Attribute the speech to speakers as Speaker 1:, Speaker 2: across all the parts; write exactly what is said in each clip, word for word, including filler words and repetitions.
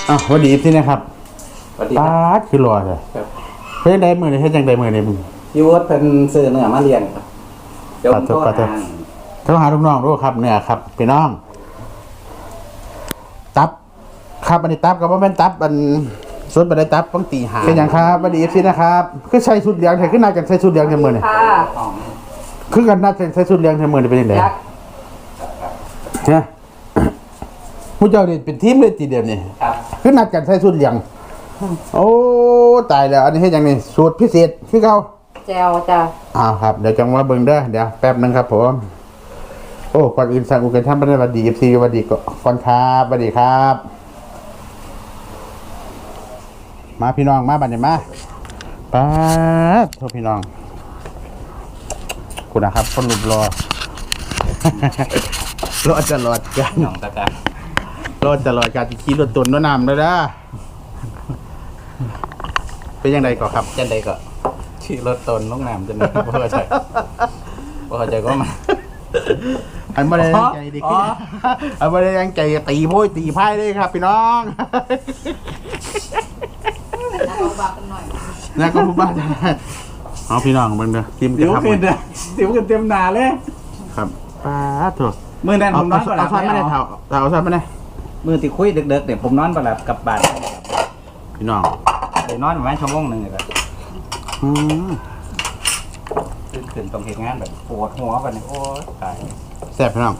Speaker 1: อ้าววันดีพี่นะครับ
Speaker 2: สวัสดี
Speaker 1: ตา
Speaker 2: ครับ
Speaker 1: คือรอเลยเฮ้ยได้มือเลยเฮ้ยจังได้มือเลยมึง
Speaker 2: ยูวดเป็นซื้อเนื้อมาเรียนครับเดี๋ยวผมโทรหา
Speaker 1: โทรหาลูกน้องด้วยครับเนี่ยครับพี่น้องตับครับอันนี้ตับกับว่าเป็นตับอันส่วนบันไดตับต้องตีหาเป็นอย่างครับวันดีพี่นะครับคือใช้ชุดเหลืองแทนขึ้นนากันใช้ชุดเหลืองแทนมือเนี่ย
Speaker 3: ค่ะ
Speaker 1: คือกันน่าจะใช้ชุดเหลืองแทนมือเนี่ยเป็นยังไง
Speaker 3: ยักษ์
Speaker 1: เนี่ยผู้เจ้าเนี่ยเป็นทีมเลยทีเดียวนี่
Speaker 2: ครับ
Speaker 1: คือนัดกันใช้ชุดเหลืองโอ้ตายแล้วอันนี้ให้ยังไงสูตรพิเศษพี่เขา
Speaker 3: แจวจ้ะ
Speaker 1: อ้าวครับเดี๋ยวจังว่าเบิ่งเด้อเดี๋ยวแป๊บนึงครับผมโอ้ก่อนอื่นสั่งอุกันท่านบันไดวัดดีเอฟซีวัดดีก่อนครับวัดดีครับ มาพี่น้องมาบัดนี้มาป๊าดโทษพี่น้องคุณนะครับคนรูปรอ รอดจะรอดกัน
Speaker 2: หนองตะการ
Speaker 1: รอดจะรอดการขี่รถตุนน้ำน้ำเลยนะเป็นยังไงก่อนครับ
Speaker 2: จันใดก็ชื่อรถตนลูกน้ำจันใดบ่เข้าใจบ่เข้าใจก็มา
Speaker 1: อันไม่ได้ยังใจดีขึ้นอันไม่ได้ยังใจตีโพยตีไพ่เลยครับ พี่น้อง
Speaker 3: เอาบากันหน่อย
Speaker 1: นะก็พูดบ้านเอาพี่น้องเบิ่งเด้อทีม
Speaker 2: สิว
Speaker 1: ครับ
Speaker 2: ขึ้นเด้อสิวขึ้นเต็มหน้าเลย
Speaker 1: ครับป้าดโถ
Speaker 2: มื้อนั้น
Speaker 1: เอา
Speaker 2: ผมนอนบ่หลั
Speaker 1: เอา
Speaker 2: บ
Speaker 1: ซ้อนไม่ได้เท่าเอาซ้อนไม่ได้
Speaker 2: มื้อที่คุยดึกๆเนี่ยผมนอนบ่หลับกลับบ้าน
Speaker 1: พี่น้อง
Speaker 2: ได้นอนประมาณชั่วโมงนึงเลยครับ
Speaker 1: อืม
Speaker 2: ตื่นขึ้นต้องเฮ็ดงานแบบปวดหัวบัดนี้โอ้ยตาย
Speaker 1: แซ่บพี่น้อง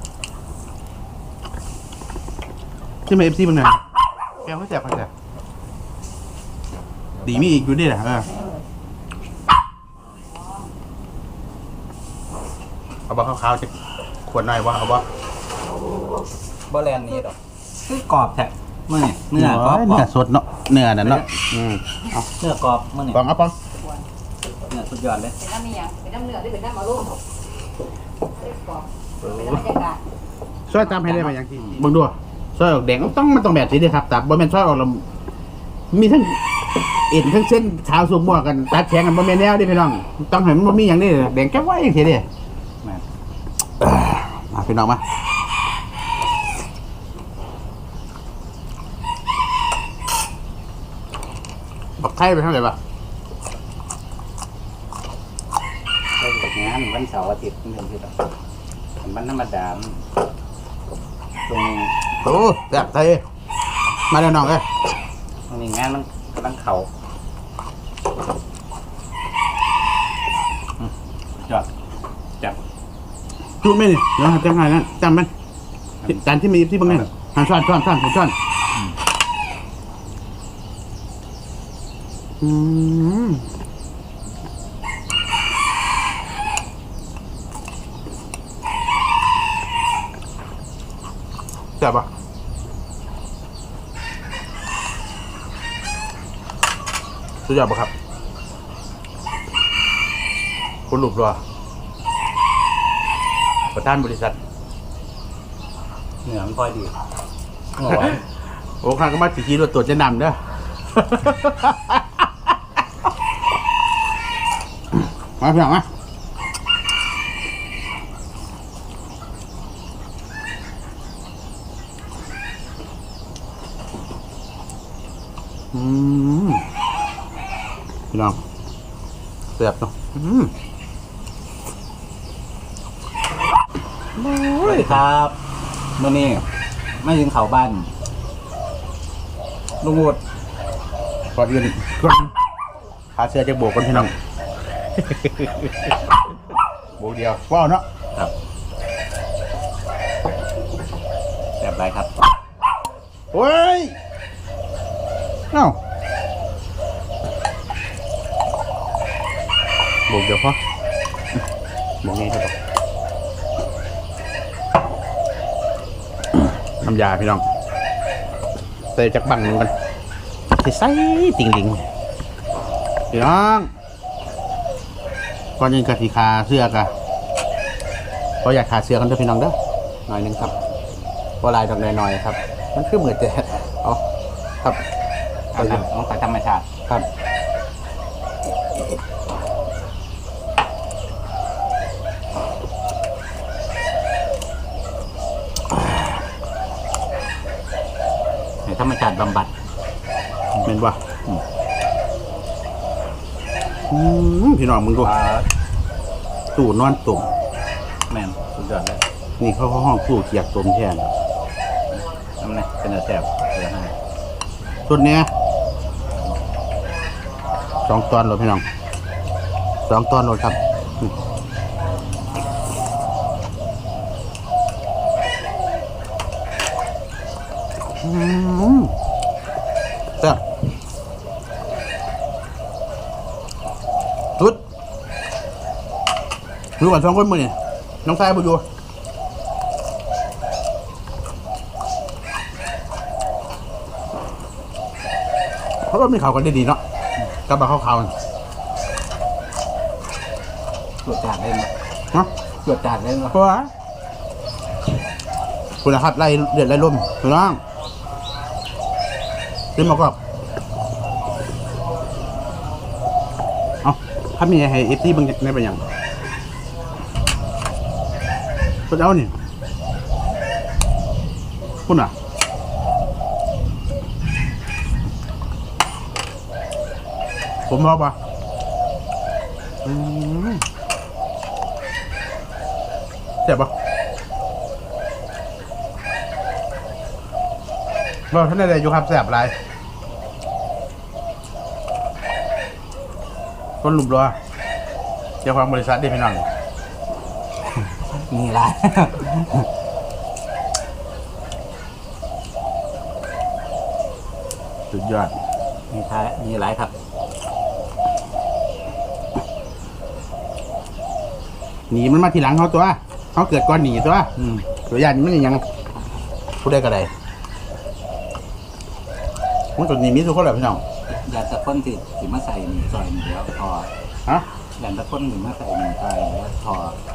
Speaker 1: ที่มาเอฟซีมึงหน่อยแก้วเขาแซ่บเขาแซ่บดีมีอีกอยู่ดิแหละเออเอาบ่ขาวๆจะขวดหน่อยว่าเอาบ่
Speaker 2: บ่แลนนี้ดอกคือกรอบแท้มื้อนี้เนื้อกรอบ
Speaker 1: เนื้อสดเนาะเนื้อนั่นเนาะอืมเอา
Speaker 2: เนื้อกรอบมื้อนี้
Speaker 1: ปองเอาปอง
Speaker 2: เนื้อสุดยอดเลย
Speaker 3: เป็นน้ำเมียงเป็นน้ำเนื้อหรือเป็นน้ำมะรุ่มเรียกกรอบเป็นน้ำบรรยากาศ
Speaker 1: ช่วยจำให้ได้ไหมอย่างที่เบิ่งดูช่วยออกแดงต้องมันต้องแบบนี้ดิครับแต่บ่แม่นช่วยออกแล้วมีทั้งเอ็นทั้งเส้นขาวสูงมั่วกันตัดแข็งกันบ่แม่นแนวเดิพี่น้องต้องให้มันบ่มีหยังนี่แดงแก้วไว้จังซี่เด้
Speaker 2: แม่น
Speaker 1: มาพี่น้องมาบักไข่ไปเท่าไหร่ปะ
Speaker 2: เลิกงานวันเสาร์อาทิตย์นี่คือแบบวันธรรมดาตรงนี้
Speaker 1: โอ้แซ่บไทยมาแล้วน้องเอ้ย
Speaker 2: ตรงนี้งานมันกำลังเข่าอืมยอดจับ
Speaker 1: จุ๊บไหมนี่เดี๋ยวจำให้นะจำมันจานที่มีที่เบางนี่หันช้อนช้อนช้อนช้อนอืมแซ่บปะสุดยอดปะครับคุณหลุบรัวประธานบริษัท
Speaker 2: เหนือมันพอยดีเมื่อวาน
Speaker 1: โอ้ข้างก็มาสิขี่รถตรวจจะนำเด้อ มาพี่น้องมาอืมพี่น้องเสียบเนาะอืม
Speaker 2: สวัสดีครับเมื่อนี้ไม่ถึงเขาบ้านลุงวุฒิ
Speaker 1: ก่อนอื่นก่อนขาเสื้อจะโบกกันพี่น้อง โบกเดียวว้าวเนาะ
Speaker 2: ครับแบบไรครับ
Speaker 1: โอ้ยเอ้าโบกเดียวพอโบกไงครับน้ำยาพี่น้องใส่จากบังกันใส่ติ่งดิงพี่น้องก่อนยิงกะทิคาเสื้อกะก็อยากขาเสื้อกันด้วยพี่น้องเด้อหน่อยหนึงครับก็ลายดอกหน่อยๆครับมันคือเหมือนจะเอาครับ
Speaker 2: เอาครับต้องใส่ธรรมชาติ
Speaker 1: ครับ
Speaker 2: ธรรมชาติบำบัด
Speaker 1: เป็นป่ะอืมพี่น้องมึงดู
Speaker 2: ปลา
Speaker 1: ตู้นอนตุ่ม
Speaker 2: แม่นสุดยอดเลย
Speaker 1: นี่เขาเขาห้องตู้เกียกตุ่มแทน
Speaker 2: น้ำเนี่ยเป็นแสบเออให้
Speaker 1: ชุดเนี้ยสองตอนเลยพี่น้องสองตอนเลยครับอืมเจ้าชุดดูก่อนสองคนมือนี่น้องชายบุญอยู่เพราะว่ามีข่าวกันได้ดีเนาะกลับมาเข้าข่าวกัน
Speaker 2: ตรวจจานเล่น
Speaker 1: เนาะ
Speaker 2: ตรวจจานเล่น
Speaker 1: เพราะว่าคุณนะครับไล่เดือดไล่ลมพี่น้องขึ้นมาก็เอาถ้ามีให้เอฟซีบางในเป็นอย่างก็เอานี่คุณอ่ะผมบอกว่าอืมเจ็บปะบอกท่านใดอยู่ครับแสบอะไรคนหลุมรัวเจ้าของบริษัทได้พี่น้อง
Speaker 2: มีอะไร
Speaker 1: สุดยอด
Speaker 2: มีท้ายมีอะไรครับ
Speaker 1: หนีมันมาทีหลังเขาตัวเขาเกิดก่อนหนีตัว
Speaker 2: อืม
Speaker 1: ตัวยันมันยังพูดได้ก็ได้มันตัวหนีมีทุกคนแหละพี่น้อง
Speaker 2: ยาตะพ่นสิสิมาใส่หนึ่งซอยหนึ่งแล้วพอ
Speaker 1: ฮะ
Speaker 2: ยาตะพ่นหนึ่งมาใส่หนึ่งซอยแล้วพอ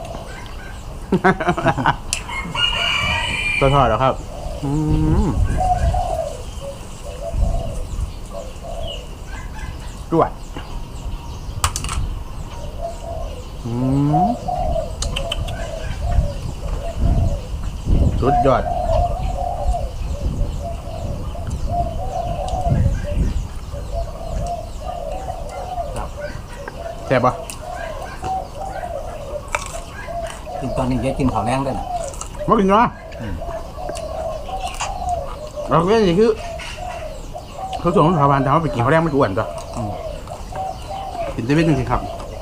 Speaker 1: ตัวทอดแล้วครับอืมด้วยอืมสุดยอด
Speaker 2: ครับ
Speaker 1: แซ่บปะ
Speaker 2: กินตอนนี้จะกินข้าวแรงด้วยนะ
Speaker 1: มากินเนาะเราก็นี่คือเขาส่งของชาวบ้านแต่ว่าไปกินเขาวแรกมันอ้วนจ้ะกินเซเว่นจริงๆครับ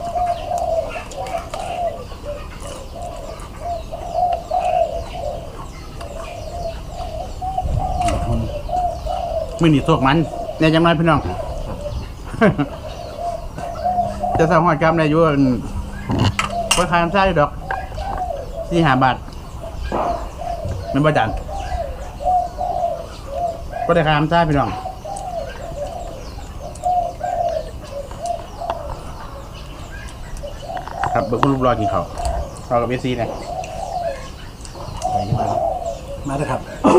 Speaker 1: มือหนีโซกมันเนี่ยยังไงพี่น้อง จะสร้างหอดกรรมในอยุ่นก็ขายน้ำซ่าอยู่ดอกสี่ห้าบาทมันประจันก็ได้ขายน้ำซ่าพี่น้องครับเบิกคุณรูปรอกินเขาวรอกับเอซีเนี่ย
Speaker 2: ไปที่มามาเลยครับ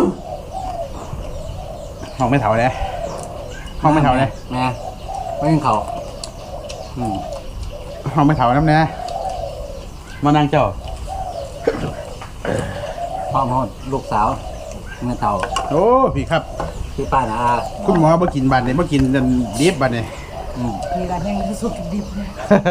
Speaker 1: ห้องไม่เถาเลยห้องไม่เถาเลย
Speaker 2: แม่ไม่กินข้าว
Speaker 1: อืมห้องไม่เถาน้ำเนี่ยมานั่งเจ้า
Speaker 2: พ่อพ่อลูกสาวเมื่อเต่า
Speaker 1: โอ้พี่ครับ
Speaker 2: พี่ป้านะอา
Speaker 1: คุณหมอมากินบัตรเนี่ยมากินดิบบัตรเนี่ย
Speaker 2: อืม
Speaker 3: มีร้านแห้งสุดดิบเลย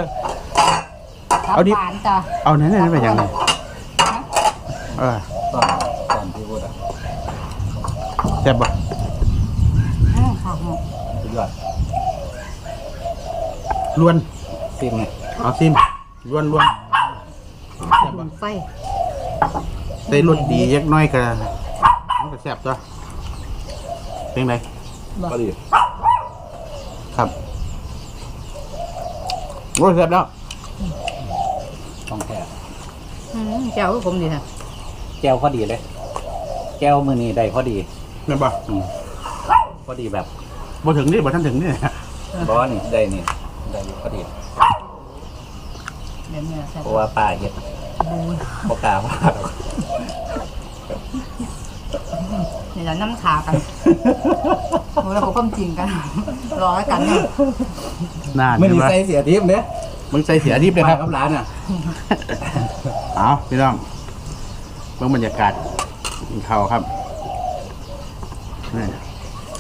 Speaker 1: เอาดิ
Speaker 3: หวานจ้ะ
Speaker 1: เอาไหนๆไปยังไงเออ
Speaker 2: ตอนตอนที่พูดอ่ะ
Speaker 1: แซ่บปะ
Speaker 3: อ้าวค่ะ
Speaker 2: สุดยอด
Speaker 1: ล้วน
Speaker 2: ซิมไง
Speaker 1: เอาซิมล้วนล้วนแซ่บ
Speaker 3: บุ
Speaker 1: ปะ
Speaker 3: ญไฟ
Speaker 1: ใส่รสดียักน้อยก็มันก็แซ่บจ้ะเป็นไง
Speaker 2: ก็ดี
Speaker 1: ครับโอ้ยแซ่บแล้ว
Speaker 2: ต้องแค่
Speaker 3: อืมเจ้าก็ผมดีนะ
Speaker 2: แก้วพอดีเลย แก้วมือนี้ได้พอดี
Speaker 1: แม่นปะ
Speaker 2: อืมพอดีแบบ
Speaker 1: บ่ถึงนี่บ่ทันถึงนี่
Speaker 2: บอสนี่ได้นี่ได้อยู่พอดี
Speaker 3: เดี๋ยวเนี่ยใส่
Speaker 2: เพราะว่าป้าเฮ็ด
Speaker 3: บูน
Speaker 2: ปกล้าว่าดอก
Speaker 3: เดี๋ยวเรานั่งขากันโอ้แล้วเขาความจริงกัน รอแล้วกันเนี่ย
Speaker 1: นาน
Speaker 2: ไม่
Speaker 1: ใช่
Speaker 2: มี
Speaker 1: ไหม
Speaker 2: ใส่เสียทิพย์เนี่ย
Speaker 1: มึงใส่เสียดิบเลยครับ
Speaker 2: ป้ากับร้านอ่ะ
Speaker 1: เอาพี่น้องเบิ่งบรรยากาศกินข้าวครับนี่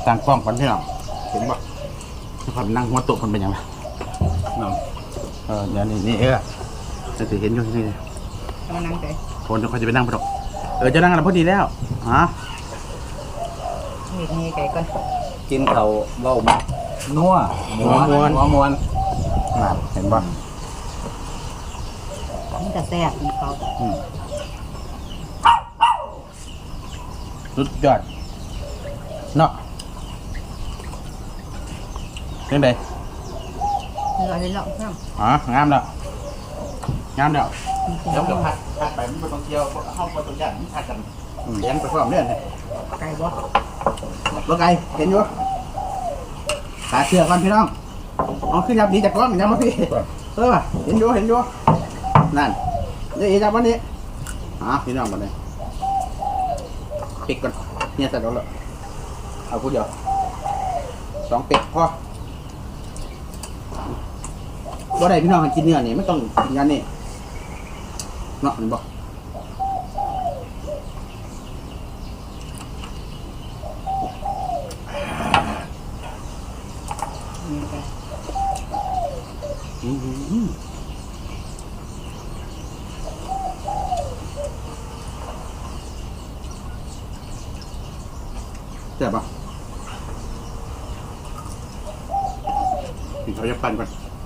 Speaker 1: ต่างกล้องกันพี่น้องเห็นปะที่คนนั่งหัวโต๊ะคนเป็นยังไง
Speaker 2: น้อง
Speaker 1: เออเดี๋ยวนี่นี่เออจะถือเห็นอยู่ที่นี่
Speaker 3: เอามานั่งใจ
Speaker 1: คนเขาจะไปนั่งพอดเออจะนั่งอะไรพอดีแล้วฮะ
Speaker 3: มีดนี่ไก่ก่อน
Speaker 2: กินเขาเบ้ามานัวหัวมวนหัวมวนนั่นเห็นปะ
Speaker 3: มันจะแซ่บมีเขา
Speaker 2: อืม
Speaker 1: สุดยอดเนาะเป็นไง
Speaker 3: เนื้อเลยเนาะเพิ่ม
Speaker 1: อ๋องามแล้วงามแล้วเดี๋ยวจะผัดผัดไปมันเป็นตรงเที่ยวเข้าไปตรงย่านมันผัดกันเลี้ยงไปพร้อมเนี่ย
Speaker 3: ไก่บ่
Speaker 1: รถไก่เห็นอยู่ตาเชื่อกันพี่น้องเอาขึ้นยับดีจากกล้องยับมาพี่เออเห็นอยู่เห็นอยู่นั่นนี่จับวันนี้อ่ะพี่น้องมาเลยปิดก่อนเนี่ยเสร็จแล้วเหรอเอาคู่เดียวสองเป็ดพอบ่ได้พี่น้องกินเนื้อนี่ไม่ต้องกินกันนี่เนาะนี่บอก
Speaker 3: นี่ไก่
Speaker 1: อืมเจ็บปะกินเขาจะปั่นก่อน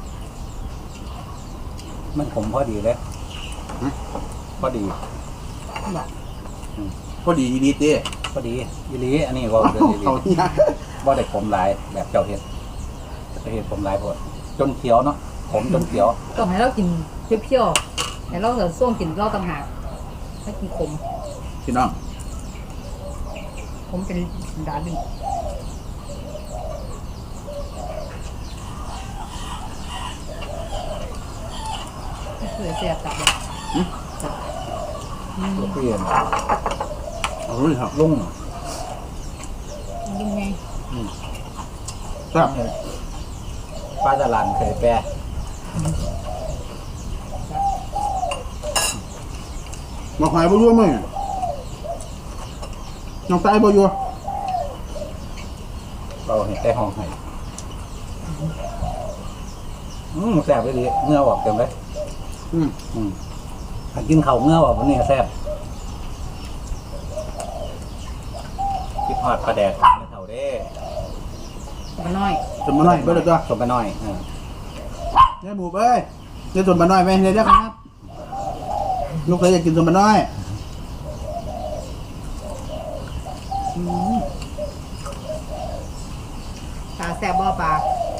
Speaker 2: มันขมพอดีเลยพอดี
Speaker 3: บ่
Speaker 1: พอดีดีเต้
Speaker 2: พอดีอีหลีอันนี้ว่าเดือดอีหลี
Speaker 1: เขาเนี่ย
Speaker 2: ว่าได้ขมหลายแบบเจ้าเห็ดเจ้าเห็ดขมหลายพวดจนเขียวเนาะขมจนเขียว
Speaker 3: ต้องให้เรากินเปรี้ยวๆให้เราเสือส้มกินเราต่างหากให้กินขม
Speaker 1: พี่น้อง
Speaker 3: ขมเป็นดาดึงนี่คือแซ่บจับเลย
Speaker 2: ลูกเปลี่ยน
Speaker 1: เอาเลยครับ
Speaker 2: ลุง
Speaker 3: ยังไง
Speaker 1: ครับ
Speaker 2: ป้าตลาดเคยแปร
Speaker 1: มาขายบ่ยัวมั้ยน้องตายบ่ยัว
Speaker 2: เราเห็นแต่ห้องไห้อืมแซ่บไปดีเนื้อออกเต็มเลย
Speaker 1: อืม
Speaker 2: อืมถ้ากินข้าวเนื้อออกวันนี้แซ่บคิดฮอดปลาแดกไม่เท่าเด้
Speaker 3: มาน้อย
Speaker 1: สมมาหน่อยเบิ่งเลยตัว
Speaker 2: สมไปหน่อยเออ
Speaker 1: เนี่ยหมูเอ้ยเดี๋ยวสมมาหน่อยไหมเดี๋ยวเดี๋ยวครับลูกเคยอยากกินสมมาหน่อยอืม
Speaker 3: ปลาแซ่บบ่ปลา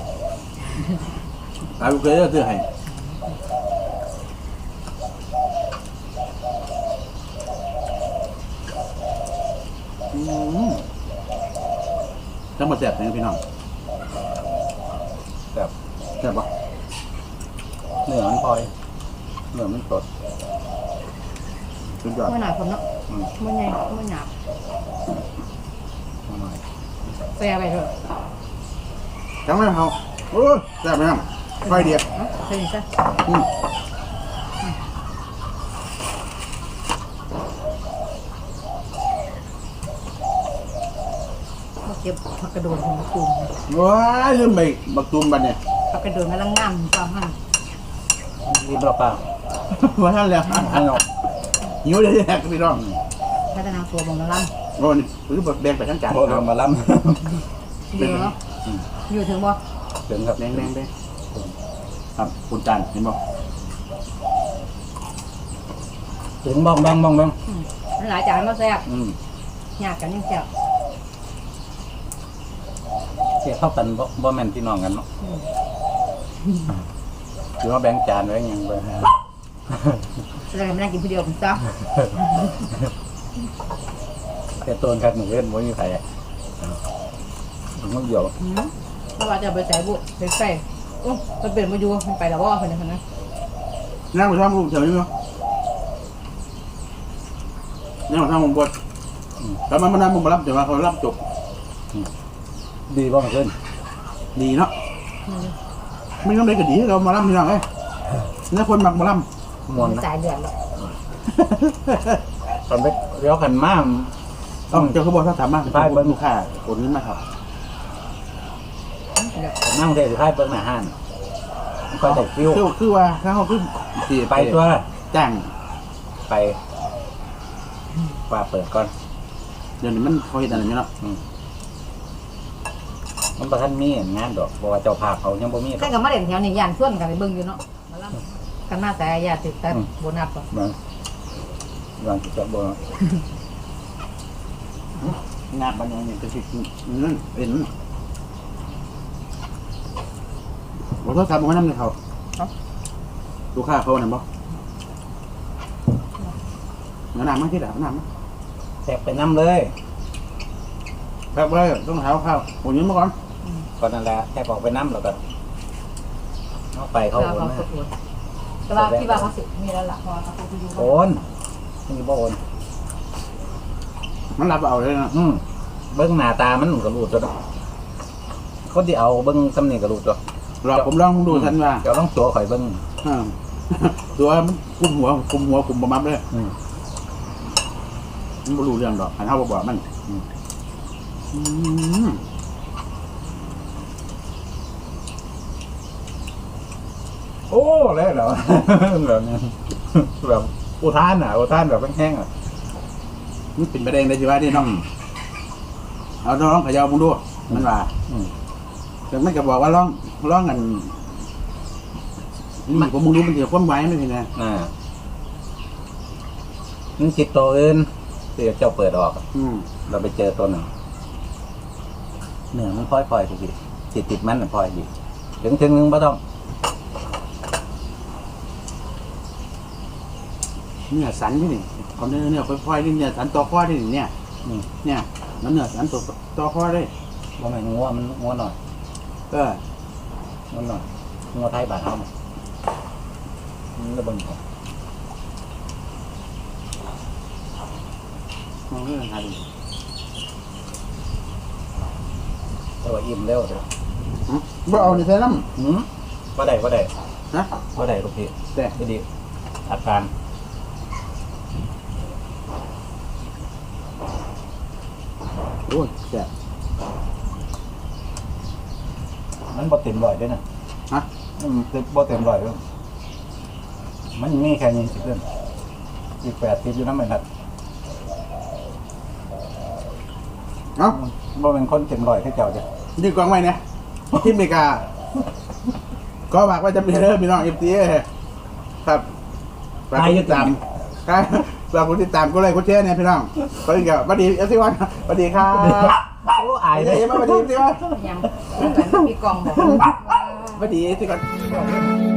Speaker 1: ตายลูกเคยจะซื้อให้อืมจังมาแซ่บเนี่ยพี่น้อง
Speaker 2: แบบ
Speaker 1: แซ่บปะ
Speaker 2: เนื้อมันพลอยเนื้อมันสด
Speaker 1: สุดยอด
Speaker 3: เมื่อหน่อยผมเนาะ
Speaker 2: อืม
Speaker 3: เมื่อไงเมื่อหยาบ
Speaker 2: เอาหน่อย
Speaker 3: แซ่บไปเถอะ
Speaker 1: จังเลยเขาโอ้ยแซ่บไหมครับไฟเดียว
Speaker 3: เนาะใช่ใช่
Speaker 1: อืม
Speaker 3: มาเก็บผักกระโดดของมะตูม
Speaker 1: ว้ายลืมไปบักตูมบัดเนี่ย
Speaker 3: ผักกระโดดมาลังงามจอมหั่น
Speaker 2: รีบเราเปล่า
Speaker 1: มาท่านแล้ว
Speaker 2: ให้เรา
Speaker 1: หิวเลยแหกพี่น้อง
Speaker 3: พัฒนาตัวบงมาลัง
Speaker 1: โอ้นี่คือแบ่งไปทั้งจาน
Speaker 2: โทรเรามาล้
Speaker 3: เดี๋ยวเนาะอยู่ถึงบ่
Speaker 2: ำถึงครับ
Speaker 1: แดงแดงแดงครับคุณจานเห็นบ่
Speaker 2: ถึงบ้องบ้องบ้องบ้อง
Speaker 3: อืมมันหลายจานมาแซ่บ
Speaker 2: อืม
Speaker 3: หยาบกันยังแซ่บ
Speaker 2: เสียเข้ากันบ่บ่แม่นพี่น้องกันเนาะ
Speaker 3: อืม
Speaker 2: ถือว่าแบ่งจานไว้ยังไป
Speaker 3: แล้วก็ไม่ได้กินผู้เดียวผมจ้า
Speaker 2: แต่ต้นครับหนูเล่นบ่มีใครถึงมันเดียว
Speaker 3: อืมเพราะว่าจะเอาไปใส่บุไปใส่โอ้มันเป็นมาอยู่มันไปแล้วว่าคนนั้นคนนั้น
Speaker 1: นั่งไปทำลูกเฉยมั้ยนั่งไปทำผมบดแต่มันมันนั่งผมมารับแต่ว่าเขารับจบ
Speaker 2: ดีบ่มันขึ้น
Speaker 1: ดีเนาะ
Speaker 3: อืม
Speaker 1: ไม่ต้องได้ก็ดีเรามารับพี่น้องเอ้ยนี่คนหมักมารับ
Speaker 2: มวน
Speaker 3: มัน
Speaker 2: นะ
Speaker 3: จ่ายเดือนแล้ว
Speaker 2: ตอนไปเลี้ยวขันมาก
Speaker 1: ต้องเจ้าเขาบอกถ้าถามมาไปเบิ้งลูกค้าคนนี้มาครับ
Speaker 3: เดี๋ยว
Speaker 2: นั่งเทสุดท้ายเปิ้งหน้าห้านมันก็ได้ฟิว
Speaker 1: คือคือว่าถ้าเขาคือสิ
Speaker 2: ไปตัว
Speaker 1: จ้าง
Speaker 2: ไปว่าเปิดก่อน
Speaker 1: เดี๋ยวนี้มันเขาเฮ็ดอันนั้นอยู่เนาะ
Speaker 2: มันประทันมีงานดอกเพราะว่าเจ้าภาพเขายังบ่มี
Speaker 3: ใครก็มาเด่นแถวนี้ย่านส่วนกันไปเบิ่งอยู่เนาะมาล่ำกันมาแต่ญาติแต่โบนัสป่ะ
Speaker 2: บางบางจะบ่
Speaker 1: งานบันยังนี่ก็สินั่นเป็นบ่โทรศัพท์บ่มานำเลยเขาลูกค้าเขานั่นบ่เงินน้ำมาที่ไหนน้ำมา
Speaker 2: แทกไปน้ำเลย
Speaker 1: แบบเลยต้องเท้าข้าวผมยืมมาก่อน
Speaker 2: ก่อนนั่นแหละแทกออกไปน้ำแล้วก็เอาไปเขา
Speaker 3: เขา
Speaker 2: โอน
Speaker 3: เขาสดแต่ว่าที่ว่าเขาสิมีแล้วล่ะพอเขาไปอยู่
Speaker 2: โอนนี่บ่โอน
Speaker 1: มันรับเอาเลยนะ
Speaker 2: อืมเบิ้งหน้าตามันก็รูดตัวคนที่เอาเบิ้งสำเนียงก็รูดตัว
Speaker 1: รอผมลองดูทันว่า
Speaker 2: เดี๋ยวต้องตัวข่อยเบิ้ง
Speaker 1: อ่าตัวมันกุมหัวกุมหัวกุมประมับเลย
Speaker 2: อืม
Speaker 1: มันไม่รู้เรื่องดอกอันเท่าบอกมันอืมอืม
Speaker 2: โอ้แล้วเหรอ แบบนี้แบบอุทานอ่ะอุทานแบบแห้งๆอ่ะ
Speaker 1: มันเป็นประเด็นเลยสิว่าที่น้องเอาลองเขย่ามึงดูมันว่า
Speaker 2: อืม
Speaker 1: แต่ไม่ก็บอกว่าลองลองกันนี่ผมมึงดูมันเดี๋ยวความไว้ไม่ใช่ไง
Speaker 2: อ่ามันจิตตัวอื่นที่เจ้าเปิดออก
Speaker 1: อืม
Speaker 2: เราไปเจอตัวหนึ่งเนื้อมันพลอยพลอยสิติดติดมันพลอยดีถึงถึงนึงไม่ต้อง
Speaker 1: เนื้อสันที่นี่เอาเนื้อเนื้อค่อยๆนี่เนื้อสันต่อข้อที่นี่เนี่ย
Speaker 2: อืม
Speaker 1: เนี่ยมันเนื้อสันต่อต่อข้อได้
Speaker 2: ว่าไม่งัวมันงัวหน่อย
Speaker 1: เออ
Speaker 2: งัวหน่อยงัวไทยบาทเท่ามันระเบิดของ
Speaker 1: มันเรื่องอะไร
Speaker 2: แต่ว่าอิ่มเร็วเลย
Speaker 1: บ่เอาในใส่น้
Speaker 2: หืมว่าได้ว่าได้
Speaker 1: ำนะ
Speaker 2: ว่าได้ลูกพี่
Speaker 1: แต่
Speaker 2: ดีดีอาการ
Speaker 1: โอ้ยแต่
Speaker 2: มันบ่เต็มร้อยด้วยนะ
Speaker 1: ฮะ
Speaker 2: อืมเต็มบ่เต็มร้อยด้วยมันมีแค่ยี่สิบเรื่องอีกแปดสิบอยู่น้ำมันนัด
Speaker 1: เอ้า
Speaker 2: บ่เป็นคนเต็มร้อยแค่เจ้าจ้ะ
Speaker 1: ดีกว่าไหมเนี่ยที่อเมริกา ก็บอกว่าจะมีเริ่มมีน้องเอฟซีครับฝากกดติดตามครับฝากกดติดตามก็เลยกดแชร์เนี่ยพี่น้องสวัสดีครับสวัสดีเอฟซีวันสวัสดีครับ
Speaker 2: โอ้อาย
Speaker 1: เดี๋
Speaker 2: เลย
Speaker 1: ยวมาสวัสดีเอฟซีวัน
Speaker 3: ยังเหมือนมีกองบอกว่า
Speaker 1: สวัสดีเอฟซีวัน